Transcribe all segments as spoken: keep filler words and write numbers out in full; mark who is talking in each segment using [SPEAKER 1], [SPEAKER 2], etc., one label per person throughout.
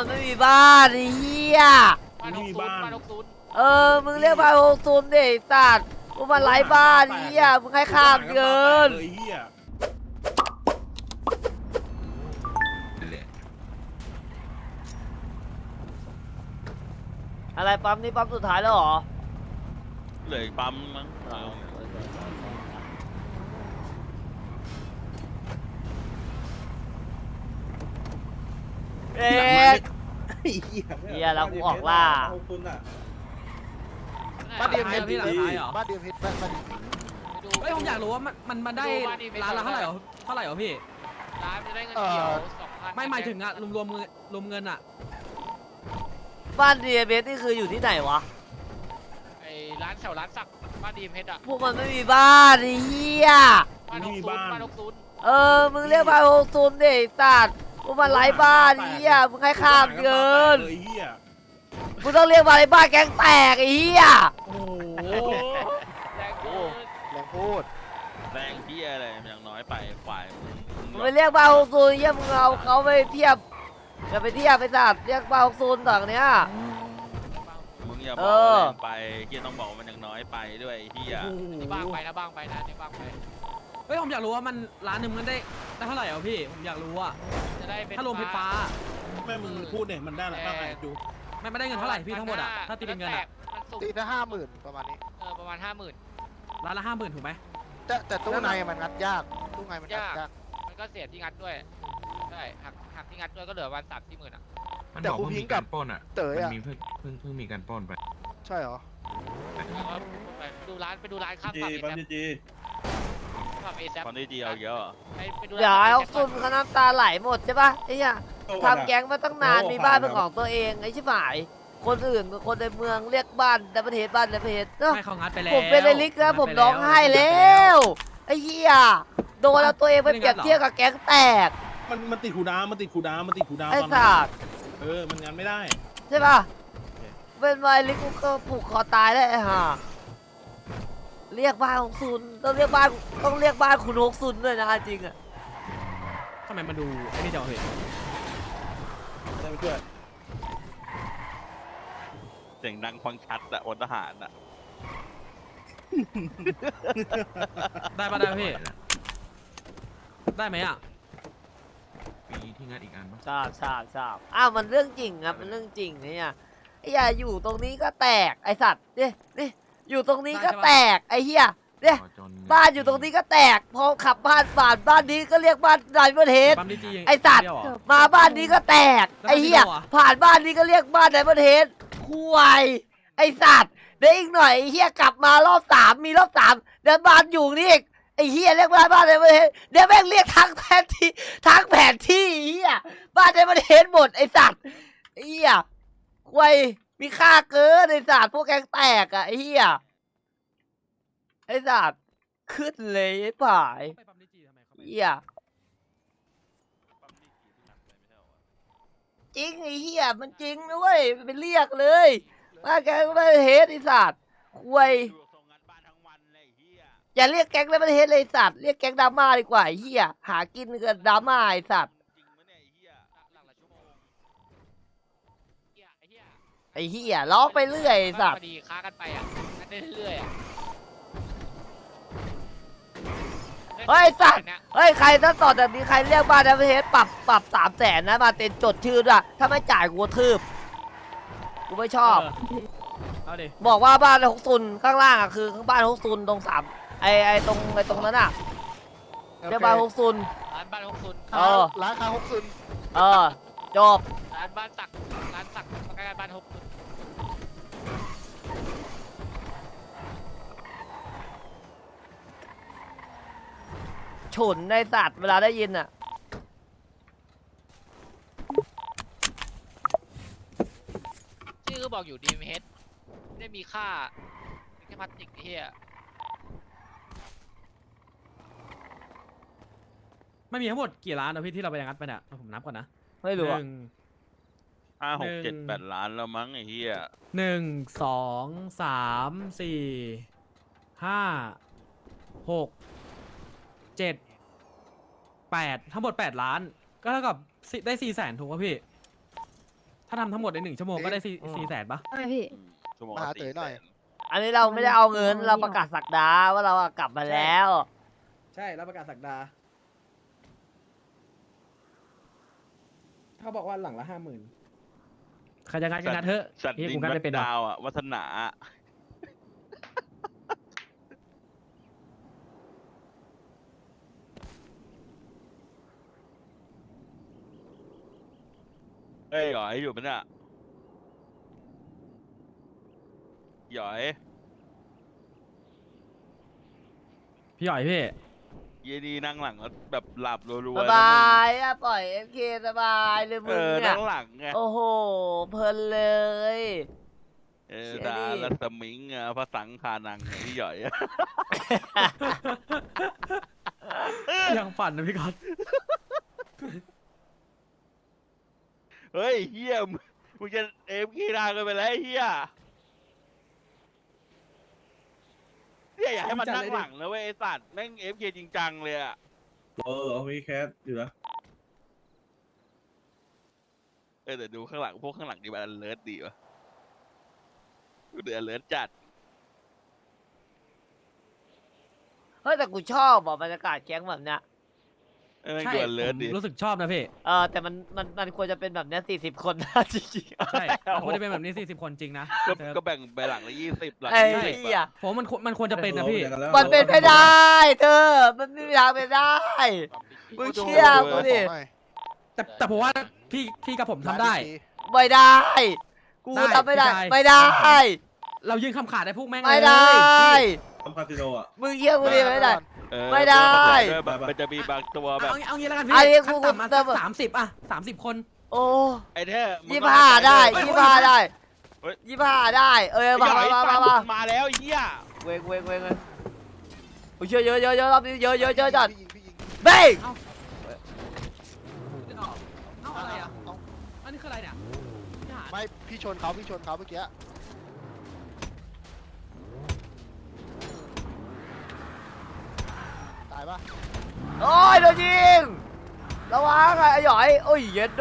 [SPEAKER 1] มันไม่มีบ้านไอ้เหี้ย
[SPEAKER 2] บ้านหกศูนย์บ้านหกศูนย์
[SPEAKER 1] เออมึงเรียกบ้านหกศูนย์ดิสัตว์พวกมันไร้บ้านไอ้เหี้ยมึงให้ข้ามเกินอะไรปั๊มนี่ปั๊มสุดท้ายแล้วเหรอ
[SPEAKER 3] เหลืออีกปั๊มมั้ง
[SPEAKER 1] เอ๊ะเฮียแล้วกูออกล่า
[SPEAKER 4] บ้านเดียมเพชร
[SPEAKER 5] พี่หลังท้ายเหรอ
[SPEAKER 4] บ้านเดียมเพชรบ้านบ้าน
[SPEAKER 5] เฮ้ยผมอยากรู้ว่ามันมันมันได้ร้านละเท่าไหร่เหรอเท่าไหร่เหรอพี่
[SPEAKER 2] ร้านจะได้เงินเกี่ยวสองพัน
[SPEAKER 5] ไม่หมายถึงอะรวมรวมเงินรวมเงินอะ
[SPEAKER 1] บ้านดีเอเบสนี่คืออยู่ที่ไหนวะ
[SPEAKER 2] ไอ้ร้านแถวร้านสักบ้านดีเพชรอ่ะ
[SPEAKER 1] พวกมันไม่มีบ้านไอ้เหี้ย
[SPEAKER 2] บ้านหกศูนย์บ้านหกศูนย์
[SPEAKER 1] เออมึงเรียกบ้านหกศูนย์ดิสัตว์พวกมันไร้บ้านไอ้เหี้ยมึงให้ข้ามเกินมึงต้องเรียกมาในบ้านแก๊งแตกไอ้เหี้ย
[SPEAKER 2] โอ้แรงเกิน
[SPEAKER 4] แรงพูด
[SPEAKER 3] แรงเพี้ยอะไรอย่างน้อยไปฝ่าย
[SPEAKER 1] มึงไปเรียกบ้านหกศูนย์เหี้ยมึงเอาเขาไปเทียบจะไปเทียบไปสัตว์เรียกบ้านหกศูนย์ต่างเนี้ย
[SPEAKER 3] มึงอย่าบอกว่าแรงไปเฮียต้องบอกว่ามันยังน้อยไปด้วยเฮีย
[SPEAKER 2] นี่บ้างไปนะบ้างไปนะนี่บ้างไป
[SPEAKER 5] เฮ้ยผมอยากรู้ว่ามันร้านหนึ่งมันได้ได้เท่าไหร่เหรอพี่ผมอยากรู้อะ
[SPEAKER 2] จะได้เป็น
[SPEAKER 5] ถ้ารวมเพชรฟ้า
[SPEAKER 6] แม่มึงพูดเนี่ยมันได้อะไรบ้างไงจู
[SPEAKER 5] ไม่ไม่ได้เงินเท่าไหร่พี่ทั้งหมดอะถ้าตีเป็นเงินอะ
[SPEAKER 2] มันสูง
[SPEAKER 4] ตีละห้าหมื่นประมาณนี้
[SPEAKER 2] เออประมาณห้าหมื่น
[SPEAKER 5] ร้านละห้าหมื่นถูกไหม
[SPEAKER 4] แต่แต่ตู้ในมันงัดยากตู้ในมันงัดยาก
[SPEAKER 2] มันก็เสียที่งัดด้วยใช่หักหักที่งัดด้วยก็เหลือวันสามสี่หมื่นอ่ะ
[SPEAKER 7] มันบอกว่ามีการปล้นอ่ะ
[SPEAKER 4] เต๋อ
[SPEAKER 7] มัน
[SPEAKER 4] อ่ะ
[SPEAKER 7] มีเพิ่งเพิ่งเพิ่งมีการปล้นไป
[SPEAKER 4] ใช่เหรอ
[SPEAKER 2] แล้วก็ไปดูร้านไปดูร้านข้าม
[SPEAKER 6] จี
[SPEAKER 2] ฝั่งเอ
[SPEAKER 6] ปั๊ม
[SPEAKER 2] แซ
[SPEAKER 6] จีจี
[SPEAKER 2] ฝั่งเอแซ
[SPEAKER 3] ตอนนี้ดีเอาเยอะ
[SPEAKER 2] ไปไปดู
[SPEAKER 1] เดี๋ยว
[SPEAKER 2] ร้าน
[SPEAKER 1] ไอ้
[SPEAKER 2] เอ
[SPEAKER 1] หก
[SPEAKER 2] แซ
[SPEAKER 1] ศูนย์เขาน้ำตาไหลหมดใช่ปะไอ้เหี้ยทำแก๊งมาตั้งนานมีบ้านเป็นของตัวเองไอ้ชิบหายคนอื่นคนในเมืองเรียกบ้านแต่ประเทศบ้านแต่ประเทศเนาะ
[SPEAKER 5] ไม่เขางัดไปแล้ว
[SPEAKER 1] ผมเป็นไอ้ลิกนะผมร้องไห้แล้วไอ้เหี้ยโดนเอาตัวเองไปเปรียบเทียบกับแก๊งแตก
[SPEAKER 6] มันมันติดขูดาวมันติดขูดาวมันติดขูดาว
[SPEAKER 1] ไอ้
[SPEAKER 6] ตอน
[SPEAKER 1] สัตว์
[SPEAKER 6] เออมันงานไม่ได้
[SPEAKER 1] ใช่ป่ะเป็นไอ้ลิกกูก็ผูกคอตายได้ไอ้ห่าเรียกบ้านหกศูนย์ต้องเรียกบ้านต้องเรียกบ้านคุณหกศูนย์ด้วยนะจริงอะ
[SPEAKER 5] ทำไมมาดูไอ้นี่เดี๋ยวเหรอ
[SPEAKER 6] ได้ไปช่วย
[SPEAKER 3] เสียงดังฟังชัดอะอดทหารอะ
[SPEAKER 5] ได้ปะได้ปะพี่ได้ไหมอะ
[SPEAKER 7] มีที่งัดอีกอันปะ
[SPEAKER 1] ทราบทราบทราบอ้าวมันเรื่องจริงครับมันเรื่องจริงเนี่ยไอ้เหี้ยอยู่ตรงนี้ก็แตกไอ้สัตว์เนี่ยนี่อยู่ตรงนี้ก็แตกไอ้เหี้ยเนี่ย
[SPEAKER 7] ขอจน
[SPEAKER 1] บ้านอยู่ตรงนี้ก็แตกพอขับบ้านผ่านบ้านนี้ก็เรียกบ้านไดมอนด์เฮด
[SPEAKER 5] ปั๊มดีจี
[SPEAKER 1] ไอ้สัตว์
[SPEAKER 5] เดียวเหรอ
[SPEAKER 1] มาบ้านนี้ก็แตก
[SPEAKER 5] แล้ว
[SPEAKER 1] ไอ้เหี้ย
[SPEAKER 5] บ้านที่โดนอะ
[SPEAKER 1] ผ่านบ้านนี้ก็เรียกบ้านไดมอนด์เฮดควายไอ้สัตว์เดี๋ยวอีกหน่อยไอ้เหี้ยกลับมารอบสามมีรอบสามเดี๋ยวบ้านอยู่นี่อีกไอ้เหี้ยเรียกบ้านบ้านไดมอนด์เฮดเดี๋ยวแม่งเรียกทั้งแผนที่ทั้งแผนที่ไอ้เหี้ยบ้านไดมอนด์เฮดหมดไอ้สัตว์ไอ้เหี้ยควายมีค่าเกินไอ้สัตว์พวกแกงแตกอะไอ้เหี้ยไอ้สัตว์ขึ้นเลยไอ้ป่าย
[SPEAKER 5] ไปปั๊มดีจีทำไมเขาไป
[SPEAKER 1] เหี้ยจริงไอ้เหี้ยมันจริงนะเว้ยไปเรียกเลยว่าแกงไม่เฮดไอ้สัตว์ควาย
[SPEAKER 3] ดูทรงงานบ้านทั้งวันเลยเฮีย
[SPEAKER 1] อย่าเรียกแก๊งแล้วไม่เฮดเลยไอ้สัตว์เรียกแก๊งดราม่าดีกว่าไอ้เหี้ยหากินกับดราม่าไอ้สัตว์
[SPEAKER 3] จริงมั้ยเนี่ยไอ้เฮีย
[SPEAKER 2] หลังละชั่วโมงเฮียไอ้เฮีย
[SPEAKER 1] ไอ้เหี้ยร้องไปเรื่อยไอ้สัต
[SPEAKER 2] พ
[SPEAKER 1] ว์
[SPEAKER 2] อดีค้ากันไปอ่ะกันได้เรื่อยๆอ่ะ
[SPEAKER 1] เฮ้ยสัตว์เฮ้ยใครถ้าต่อจากนี้ใครเรียกบ้านแล้วไม่เฮดปรับปรับสามแสนนะมาเต็นจดชื่อด้วยถ้าไม่จ่ายกูกระทืบกูไม่ชอบ
[SPEAKER 5] เเอาดิ
[SPEAKER 1] บอกว่าบ้านฮกซุนข้างล่างอ่ะคือข้างบ้านฮกซุนตรงสามไอไอตรงไอตรงนั้นอ่ะเรียกบ้านฮกซุน
[SPEAKER 2] ร้านบ้านหกศูนย์
[SPEAKER 1] เออ
[SPEAKER 4] ร้านค้าหกซุน
[SPEAKER 1] เออจบ
[SPEAKER 2] ร้านบ้านสักร้านสักใกล้ๆบ้านหกศูนย์
[SPEAKER 1] ฉุนในสัตว์เวลาได้ยินอ่ะ
[SPEAKER 2] ชื่อก็บอกอยู่ดีมเฮดไม่ได้มีค่าแค่พลาสติกไอ้เฮีย
[SPEAKER 5] ไม่มีทั้งหมดกี่ร้านนะพี่ที่เราไปงัดไปเนี่ยผมนับก่อนนะ
[SPEAKER 1] ไม่รู้
[SPEAKER 5] ห
[SPEAKER 1] อ่ะ
[SPEAKER 5] นึ่ง
[SPEAKER 3] ห้าหก
[SPEAKER 5] หนึ่ง
[SPEAKER 3] เจ็ดแปดล้านแล้วมั้งไอ้เฮีย
[SPEAKER 5] หนึ่งสองสามสี่ห้าหกเจ็ดแปดทั้งหมดแปดล้าน ก็เท่ากับสิได้สี่แสนถูกป่ะพี่าทำทั้งหมดในหนึ่งชั่วโมงก็ได้สี่
[SPEAKER 4] อืม
[SPEAKER 5] สี่แสนปะ
[SPEAKER 8] ใช่พี่
[SPEAKER 3] อืมชั่วโมง
[SPEAKER 4] มาหา
[SPEAKER 3] ละ
[SPEAKER 4] เต๋อหน่อย
[SPEAKER 3] สี่แส
[SPEAKER 1] อันนี้เราไม่ได้เอาเงินเราประกาศสักดาว่าเราอะกลับมาแล้ว
[SPEAKER 5] ใช่รับประกาศสักดาเขาบอกว่าหลังละห้าหมื่นใครจะงัดก็งัดเถอะ
[SPEAKER 3] สัตว์
[SPEAKER 5] เฮีย
[SPEAKER 3] ดิ
[SPEAKER 5] กู
[SPEAKER 3] น
[SPEAKER 5] งัด
[SPEAKER 3] แบ็
[SPEAKER 5] ไม่
[SPEAKER 3] ค
[SPEAKER 5] เป็นหรอ
[SPEAKER 3] ดาวอะวัฒนาเอ้ยหยอยอยู่ปะเนี่ยหยอย
[SPEAKER 5] พี่หย่อยพี่
[SPEAKER 3] เยดีนั่งหลังแล้วแบบหลับรัว
[SPEAKER 1] ส
[SPEAKER 3] ๆนะ
[SPEAKER 1] บายอะปล่อยเอฟเคสบายเลย
[SPEAKER 3] มึ
[SPEAKER 1] มึ
[SPEAKER 3] ง
[SPEAKER 1] ง
[SPEAKER 3] เออ
[SPEAKER 1] เนี่
[SPEAKER 3] นั่
[SPEAKER 1] ย
[SPEAKER 3] งหลังไง
[SPEAKER 1] โอ้โหเพลินเลย
[SPEAKER 3] เออ
[SPEAKER 1] เชี่ย
[SPEAKER 3] ดา
[SPEAKER 1] ดิ
[SPEAKER 3] ลสมิงอะพระสังคานังไงพี่หยอยอะ
[SPEAKER 5] ยังฝันนะพี่ก๊อต
[SPEAKER 3] เฮ้ยเฮียมึงมึงจะเอฟกีฬากันไปแล้วไอ้เฮียเนี่ยอยากให้มันนั่งหลังนะเว้ยไอ้สัตว์แม่งเอฟเคจริงจังเลยอะ
[SPEAKER 6] เออเอามีแคสอยู่นะ
[SPEAKER 3] เออแต่ดูข้างหลังพวกข้างหลังดีมันเลิศดีวะดูเดือดเลิศจัด
[SPEAKER 1] เฮ้ยแต่กูชอบบอกบรรยากาศแก๊งแบบเนี้ย
[SPEAKER 3] เออแม่ง
[SPEAKER 5] ใช่
[SPEAKER 3] ดูเลิ
[SPEAKER 5] ผ
[SPEAKER 3] ศ
[SPEAKER 5] ม
[SPEAKER 3] ดี
[SPEAKER 5] รู้สึกชอบนะพี่
[SPEAKER 1] เออแต่มันมันมันควรจะเป็นแบบเนี้ยสี่สิบคนนะจริงๆ
[SPEAKER 5] ใช่มันควรจะเป็นแบบนี้สี่สิบคนจริงนะ
[SPEAKER 3] ก็
[SPEAKER 5] เธอ
[SPEAKER 3] ก็แบ่งไปหลังละยี่สิบหลัง
[SPEAKER 1] ไอ้
[SPEAKER 3] ยี่สิบ
[SPEAKER 1] เหี้ย
[SPEAKER 5] ผมว่ามันควรมันควรจะเป็นนะพี่
[SPEAKER 1] มันเป็นไม่ได้เธอ มันไม่มีทางเป็นได้ มึงเชื่อกูดิ
[SPEAKER 5] แต่แต่ผมว่าพี่พี่กับผมทำได้
[SPEAKER 1] ไม่ได้ กู
[SPEAKER 5] ได้
[SPEAKER 1] ทำไม่ได้
[SPEAKER 5] พี่ชาย
[SPEAKER 1] ไม่ได้
[SPEAKER 5] เรายืนคำขาดได้พวกแม่ง
[SPEAKER 1] ไม่ได้
[SPEAKER 6] ทำคาสิโนอ่ะ
[SPEAKER 1] มึงเชื่อกูดิไม่ได้
[SPEAKER 3] เออ
[SPEAKER 1] ไม่ได้
[SPEAKER 3] แบบมันจะมีบางตัวแบบ
[SPEAKER 5] เอางี้เอางี้แล้วกัน
[SPEAKER 1] ไอ้
[SPEAKER 5] พี่
[SPEAKER 1] กู
[SPEAKER 5] ขั้นต่ำมา
[SPEAKER 1] กูเติม
[SPEAKER 5] สามสิบอะสามสิบคน
[SPEAKER 1] โอ้
[SPEAKER 3] ไอ้เท่มึง
[SPEAKER 1] ยี่
[SPEAKER 3] ต้อง
[SPEAKER 1] ห้า
[SPEAKER 3] เข้ใจ
[SPEAKER 1] ได้
[SPEAKER 3] เว้ย
[SPEAKER 1] ยี่ห้าได้
[SPEAKER 3] เฮ้ย
[SPEAKER 1] ยี่ห้าได้ เออ
[SPEAKER 3] ไอ้
[SPEAKER 1] มา
[SPEAKER 3] หย
[SPEAKER 1] มา
[SPEAKER 3] อย
[SPEAKER 1] มา
[SPEAKER 3] สั
[SPEAKER 1] มา
[SPEAKER 3] ตว์
[SPEAKER 1] มา
[SPEAKER 3] มาแล้วไอ้เหี้ย
[SPEAKER 1] เวงเวงเวงเวงโอ้ยเยอะเยอะเยอะเยอะรอบนี้เยอะเยอะเยอะจัด
[SPEAKER 4] พี่ยิงพี่ยิง
[SPEAKER 1] เบ้ง
[SPEAKER 5] เอาอะไรอะ
[SPEAKER 4] เอา
[SPEAKER 5] อันนี้คืออะไรเนี่ย
[SPEAKER 4] ไม่พี่ชนเขาพี่ชนเขาเมื่อกี้ตายปะ
[SPEAKER 1] โอ้ยโดนยิงระวังไอ้หยอยโอ้ยเย็ดโด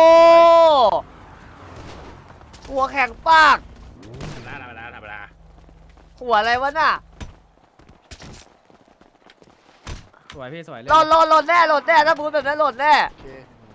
[SPEAKER 1] หัวแข็งปาก
[SPEAKER 6] ธรรมดาธรรมดาธรรมดา
[SPEAKER 1] หัวอะไรวะน่ะ
[SPEAKER 5] สวยพี่สวยเลย
[SPEAKER 1] หล่นหล่นหล่นแน่หล่นแน่ถ้าพูดแบบนั้นหล่นแน่
[SPEAKER 4] โอเค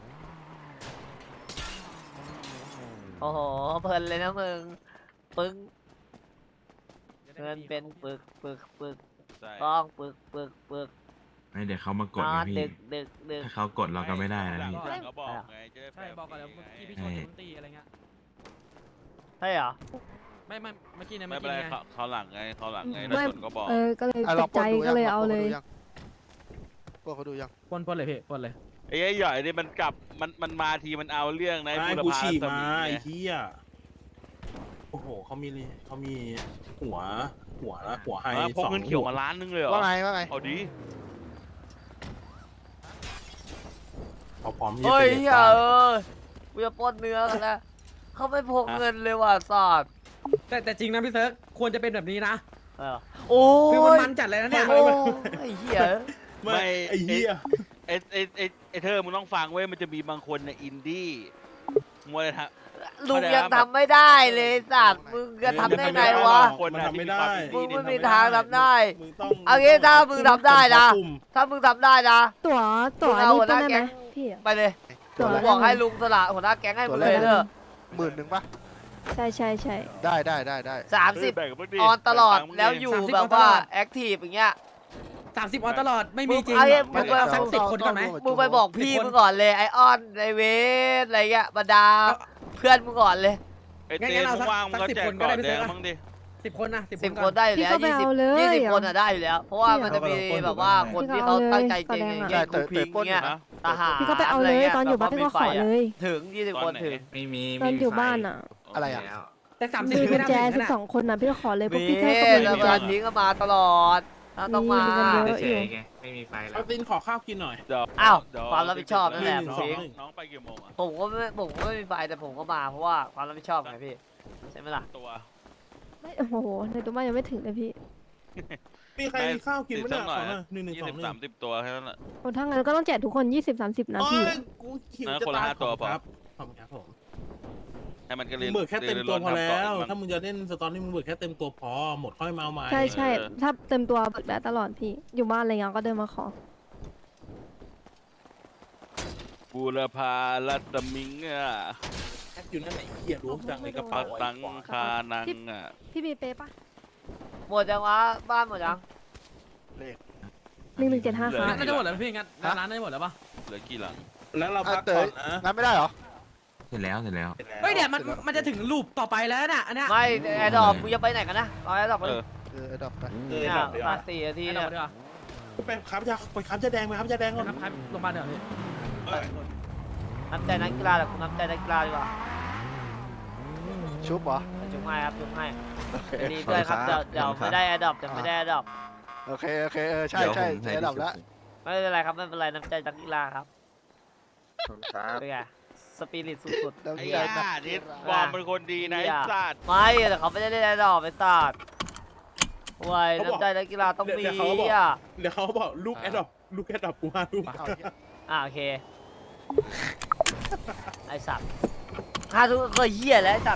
[SPEAKER 1] โอ้โหเพลินเลยนะมึงปึ้งเงินเป็นปึกปึกปึก
[SPEAKER 3] ใช่
[SPEAKER 1] ต้องปึกปึกปึก
[SPEAKER 7] ไม่เดี๋ยวเขามาก
[SPEAKER 1] น
[SPEAKER 7] ด
[SPEAKER 1] อ
[SPEAKER 7] นะ
[SPEAKER 1] น
[SPEAKER 7] พี่
[SPEAKER 1] ดึกดึกดึก
[SPEAKER 7] ถ้าเขากดเราก็ไม่ได้นะพี่
[SPEAKER 3] หลังก็บอกไงจะได้
[SPEAKER 5] ใช่บอกก่อนแล้วเมื่อกี้พี่ชนดนตรีอะไรเงี้ย
[SPEAKER 1] ใช่เหรอ
[SPEAKER 5] ไม่ไม่เมื่อกี้เนี่ย
[SPEAKER 3] ไม่
[SPEAKER 5] เมื่อ
[SPEAKER 3] เป็น
[SPEAKER 5] กี้
[SPEAKER 3] ไร
[SPEAKER 5] ไง
[SPEAKER 3] เขาเขาหลังไงเขาหลังไง
[SPEAKER 8] ไม่
[SPEAKER 3] ถ้าชนก็บอก
[SPEAKER 8] เออก็เลย
[SPEAKER 4] อ่ะ
[SPEAKER 8] ต
[SPEAKER 4] เรา
[SPEAKER 8] ก
[SPEAKER 4] ปล้
[SPEAKER 8] ใจ
[SPEAKER 4] นดู
[SPEAKER 8] ก็เลย
[SPEAKER 4] ยัง
[SPEAKER 8] เอาเลย
[SPEAKER 4] ปล้นเขาดูยัง
[SPEAKER 5] ปนปนเลยพี่ปนเลย
[SPEAKER 3] ไอ้หยอยนี่มันกลับมันมันมาทีมันเอาเรื่องนะ
[SPEAKER 6] ไอ้
[SPEAKER 3] บุร
[SPEAKER 6] กู
[SPEAKER 3] พา
[SPEAKER 6] ฉีก
[SPEAKER 3] ส
[SPEAKER 6] มา
[SPEAKER 3] มิง
[SPEAKER 6] ไอ้
[SPEAKER 3] ไง
[SPEAKER 6] เหี้ยโอ้โหเขามีเขามีหัวหัวหัวไฮ
[SPEAKER 3] อ่ะพก
[SPEAKER 6] สอง
[SPEAKER 3] เงินเขียวมาล้านนึงเลยเหรอ
[SPEAKER 4] ว่าไงว่าไง
[SPEAKER 3] เอาดี
[SPEAKER 6] เขาพร้อมที่จะ
[SPEAKER 1] เฮ้ย
[SPEAKER 6] เป็น
[SPEAKER 1] เหี้ยเออกูจะปล้นเนื้อกันแล้วเขาไม่พกเงินเลยว่ะสอด
[SPEAKER 5] แต่แต่จริงนะพี่เซิร์ฟควรจะเป็นแบบนี้นะ
[SPEAKER 1] เออโอ้
[SPEAKER 5] คือมัน
[SPEAKER 1] ย
[SPEAKER 5] มันจัดเลยนะเนี่ย
[SPEAKER 1] โอ้ยไอ้เหี้ย
[SPEAKER 6] ไม่ไอ้เหี้ย
[SPEAKER 3] ไอ้ไอ้ไอ้ไอ้เธอมึงต้องฟังเว้ยมันจะมีบางคนในอินดี้มัวเลยฮะ
[SPEAKER 1] ลุงยังทำไม่ได้เลยสัตว์มึงจะทำได้ไงวะ
[SPEAKER 3] คน
[SPEAKER 6] มัน
[SPEAKER 3] น่ะ
[SPEAKER 6] ทำไม่
[SPEAKER 3] ที่
[SPEAKER 6] ได้
[SPEAKER 3] ความอิน
[SPEAKER 1] มึ
[SPEAKER 3] ดี้
[SPEAKER 1] ง
[SPEAKER 3] เนี่ย
[SPEAKER 1] ไม่มีทางทำได้
[SPEAKER 6] มึงต้อง
[SPEAKER 1] เอางี้ถ้ามึงทำได้นะ ถ้ามึงทำได้นะ
[SPEAKER 8] ตั๋วตั๋ว
[SPEAKER 1] มึงเอา
[SPEAKER 8] นี่
[SPEAKER 1] หัวห
[SPEAKER 8] ต้
[SPEAKER 1] น้า
[SPEAKER 8] ได้
[SPEAKER 1] แก๊
[SPEAKER 8] ไหม
[SPEAKER 1] ง
[SPEAKER 8] พี่อะ
[SPEAKER 1] ไปเลย
[SPEAKER 8] ตั๋ว
[SPEAKER 1] กู
[SPEAKER 8] ละ
[SPEAKER 1] บอกให้ลุงสละหัวหน้าแก๊งให้มึงเลยเถอะ
[SPEAKER 4] หมื่นหนึ่งปะ
[SPEAKER 8] ใช่ใช่ใช่
[SPEAKER 4] ได้ได้ได้ได้
[SPEAKER 1] สามสิบ
[SPEAKER 3] แบ่งกับมึงดิ
[SPEAKER 1] ออนตลอด
[SPEAKER 3] แบ่งกับมึง
[SPEAKER 1] แล้วอยู่
[SPEAKER 5] สามสิบ
[SPEAKER 1] แบบ
[SPEAKER 5] ออนต
[SPEAKER 1] ว่า
[SPEAKER 5] ลอด
[SPEAKER 1] แอคทีฟอย่างเงี้ย
[SPEAKER 5] สามสิบออนตลอดไม่มีจริง
[SPEAKER 1] เอาเอา
[SPEAKER 5] มันก็สักสิบคนก่อนไหม
[SPEAKER 1] มึงไปบอกพี่มึงก่อนเลยไอออนไอเวสอะไรเงี้ยบรรดาเพื่อนมึงก่อนเลย
[SPEAKER 3] ไอ้
[SPEAKER 5] งั้น
[SPEAKER 3] เต้
[SPEAKER 5] งั้นเอา
[SPEAKER 3] มึ
[SPEAKER 5] สั
[SPEAKER 3] ง
[SPEAKER 5] ก
[SPEAKER 3] ว่างมึง
[SPEAKER 5] สั
[SPEAKER 3] ก็
[SPEAKER 5] กสิบ
[SPEAKER 3] แจก
[SPEAKER 5] คนก็
[SPEAKER 3] ก่อ
[SPEAKER 5] ได้
[SPEAKER 3] น
[SPEAKER 5] ไป
[SPEAKER 3] แด
[SPEAKER 5] ซื้
[SPEAKER 3] ง
[SPEAKER 5] อ
[SPEAKER 3] มั้งดิ
[SPEAKER 5] สิบคนนะสิบ
[SPEAKER 1] สิบ
[SPEAKER 5] ค
[SPEAKER 1] คน นได้อยู่แล้ว
[SPEAKER 8] พี่ก็ไป
[SPEAKER 1] ยี่สิบ
[SPEAKER 8] เอาเลย
[SPEAKER 1] ยี่สิบ
[SPEAKER 8] อะ
[SPEAKER 1] คนอ่ะได้อยู่แล้ว เพราะว่ามันจะมีแบบว่าคนที่เขาตั้งใจจริงอย่าง
[SPEAKER 4] ใช่
[SPEAKER 1] เงี้ย
[SPEAKER 4] เต๋
[SPEAKER 1] กู
[SPEAKER 4] อ
[SPEAKER 1] พิง
[SPEAKER 4] เต๋อปล้น
[SPEAKER 1] เงี้ย
[SPEAKER 3] นะ
[SPEAKER 1] ทหาร
[SPEAKER 8] พี่ก็ไปเอาเลย
[SPEAKER 1] ะรงี้
[SPEAKER 8] ตอนอยู่บ้านพี่ก็ขอเลย
[SPEAKER 1] ถึงยี่สิบคนถึง
[SPEAKER 7] ไม่มี
[SPEAKER 8] ตอนอยู่บ้านอ่ะ
[SPEAKER 4] อะไรอ่ะ
[SPEAKER 5] แต่สามสิบ
[SPEAKER 8] มีกุ
[SPEAKER 5] ไม่
[SPEAKER 8] ญ
[SPEAKER 5] ได้
[SPEAKER 8] แจ
[SPEAKER 5] ถึง
[SPEAKER 8] สิ
[SPEAKER 5] นะ
[SPEAKER 8] บสองคนน่ะพี่ก็ขอเลยพวก
[SPEAKER 1] มี
[SPEAKER 8] พี่เท่าก็มี
[SPEAKER 1] แล้ว
[SPEAKER 8] เหมือน
[SPEAKER 1] เว
[SPEAKER 8] กั
[SPEAKER 1] ลาน ทิ้งก็มาตลอดถ้าต้องมา
[SPEAKER 8] มีกันเยอะ
[SPEAKER 7] เฉยๆไงไม่มีไฟแล้
[SPEAKER 6] เอา
[SPEAKER 7] ว
[SPEAKER 6] ตินขอข้าวกินหน่อย
[SPEAKER 3] เดี๋ยว
[SPEAKER 1] อ้าว
[SPEAKER 3] เดี๋ย
[SPEAKER 1] ความรับผิดชอบนั่นแหละ
[SPEAKER 6] หนึ่ง
[SPEAKER 1] พิง
[SPEAKER 6] สอง
[SPEAKER 3] น้องไปกี่โมงอ่ะ
[SPEAKER 1] ผมก็ไม่ผมก็ไม่มีไฟแต่ผมก็มาเพราะว่าความรับผิดชอบไงพี่ใช่ไหมล่ะ
[SPEAKER 3] ตัว
[SPEAKER 8] ไม่โอ้โหในตัวบ้านยังไม่ถึงเลยพี่
[SPEAKER 6] มีใครมีข้าวกินไหมเนี่ย
[SPEAKER 3] ติดสักหน่อย
[SPEAKER 6] ขอหน่อยหนึ่งหนึ่ง
[SPEAKER 3] ยี่
[SPEAKER 6] สอ
[SPEAKER 3] สิ
[SPEAKER 6] ง
[SPEAKER 3] บ
[SPEAKER 6] หนึ่
[SPEAKER 3] สาง มสิบตัวแค่นั้นแหละ
[SPEAKER 8] โอ้ถ้างั้นก็ต้องแจกทุกคนยี่สิบสามสิบนะ
[SPEAKER 6] โอ้
[SPEAKER 8] พี่
[SPEAKER 6] ยกูหิว
[SPEAKER 3] นะ
[SPEAKER 6] จะ
[SPEAKER 3] คนละ
[SPEAKER 6] ตาย
[SPEAKER 3] ห้าตัวพอ
[SPEAKER 6] ครับขอบคุณครับผม
[SPEAKER 3] มันก็
[SPEAKER 6] มึ
[SPEAKER 3] เรีย
[SPEAKER 6] ง
[SPEAKER 3] น
[SPEAKER 6] เบิกแค่เต็มตัวพอ
[SPEAKER 3] เรียน
[SPEAKER 6] แล้ว
[SPEAKER 3] เรียน
[SPEAKER 6] ถ้ามึงจะเล่นสตอรี่มึงเบิกแค่เต็มตัวพอหมดค่อยมาเอาใหม่
[SPEAKER 8] ใช่ใช่
[SPEAKER 3] เออ
[SPEAKER 8] ถ้าเต็มตัวเบิกได้ตลอดพี่ อยู่บ้านอะไรเงี้ยก็เดินมาขอ
[SPEAKER 3] บูรพาลัตมิงอ่ะ
[SPEAKER 6] แอคอยู่นั่นไหนเหี้ยรู้จังในกระ
[SPEAKER 3] ปั
[SPEAKER 6] เป๋าก
[SPEAKER 3] ตัง
[SPEAKER 6] ไอ้ขวา
[SPEAKER 3] คานังอ่ะ
[SPEAKER 8] พี่มีเป๊ะปะ
[SPEAKER 1] หมดยังวะบ้านหมดยัง
[SPEAKER 8] หนึ่งหนึ่งเจ็ดห้า
[SPEAKER 3] เหลื
[SPEAKER 8] ค
[SPEAKER 3] อ
[SPEAKER 8] รับ
[SPEAKER 5] น่าจะหมดแล้วพี่งั้นร้านน่าจะหมดแล้วปะ
[SPEAKER 3] เหลือกี่หลัง
[SPEAKER 6] แล้วเรา
[SPEAKER 4] อ่ะ
[SPEAKER 6] พัก
[SPEAKER 4] เต๋
[SPEAKER 6] ก่
[SPEAKER 4] อ
[SPEAKER 6] อนนะ
[SPEAKER 4] งั้นไม่ได้เหรอ
[SPEAKER 7] เสร็จแล้วเสร็จแล้ว
[SPEAKER 6] สร็จแล้ว
[SPEAKER 5] เฮ้ยเนี่ยมัน
[SPEAKER 6] สร็จแล้ว
[SPEAKER 5] มันจะถึงลูปต่อไปแล้วน่ะอันเนี้ย
[SPEAKER 1] ไม่แอร์ดรอปมึงจะไปไหนกันนะเอาแอร์ดรอปไป
[SPEAKER 3] เออ
[SPEAKER 4] เออดับไป
[SPEAKER 6] เออ
[SPEAKER 1] เนี่ย
[SPEAKER 6] ดับเดี๋ยว
[SPEAKER 1] มา
[SPEAKER 6] อะ
[SPEAKER 1] สี่นาที
[SPEAKER 5] ให้
[SPEAKER 1] เนี่
[SPEAKER 5] เรา
[SPEAKER 1] ย
[SPEAKER 5] ดีกว่า
[SPEAKER 6] ไปค้ำจะไปค้ำจะแดงไปค้ำจะแดงก่อน
[SPEAKER 5] ครับครับโรงพยาบาลเดี๋ยวพี่
[SPEAKER 6] เออ
[SPEAKER 1] น้ำใจนักกีฬาแต่คุณน้ำใจนักกีฬาดีกว่า
[SPEAKER 4] ชุบเหรอ
[SPEAKER 1] จุงให้ครับจุงให้
[SPEAKER 4] โอเค
[SPEAKER 1] ดีด้วยครับเดี๋ยวเดี๋ยวไม่ได้แอร์ดรอปเดี๋ยวไม่ได้แอร์ดรอป
[SPEAKER 4] โอเคโอเคเออใช่ใช่เสียดับแล้ว
[SPEAKER 1] ไม่เป็นไรครับไม่เป็นไรน้ำใจนักกีฬาครับ
[SPEAKER 4] ครับ
[SPEAKER 1] เป็นไงสปิริตสุดๆ
[SPEAKER 4] แล้ว
[SPEAKER 3] ไอ้
[SPEAKER 4] เหี้
[SPEAKER 3] ย่
[SPEAKER 4] ยนัก
[SPEAKER 3] า
[SPEAKER 4] กี
[SPEAKER 3] นี่
[SPEAKER 4] ฬา
[SPEAKER 3] วอร์มเป็นคนดีนะไอ้สัตว์
[SPEAKER 1] ไม่แต่เขาไม่ได้เล่นแอร์ดรอปไปตัดไว้น้ำใจนักกีฬาต้องมี
[SPEAKER 6] เดี๋ยวเขาบอก
[SPEAKER 1] อ่ะ
[SPEAKER 6] เดี๋ยวเขาบอกลูกแอดดอปลูกแอดดอปกูมาลูก
[SPEAKER 4] เอาเหี้ย
[SPEAKER 1] อ่ะโอเคไอสัตว์ห้าทุกคนเคยเหี้ยแล้วไอสัตว์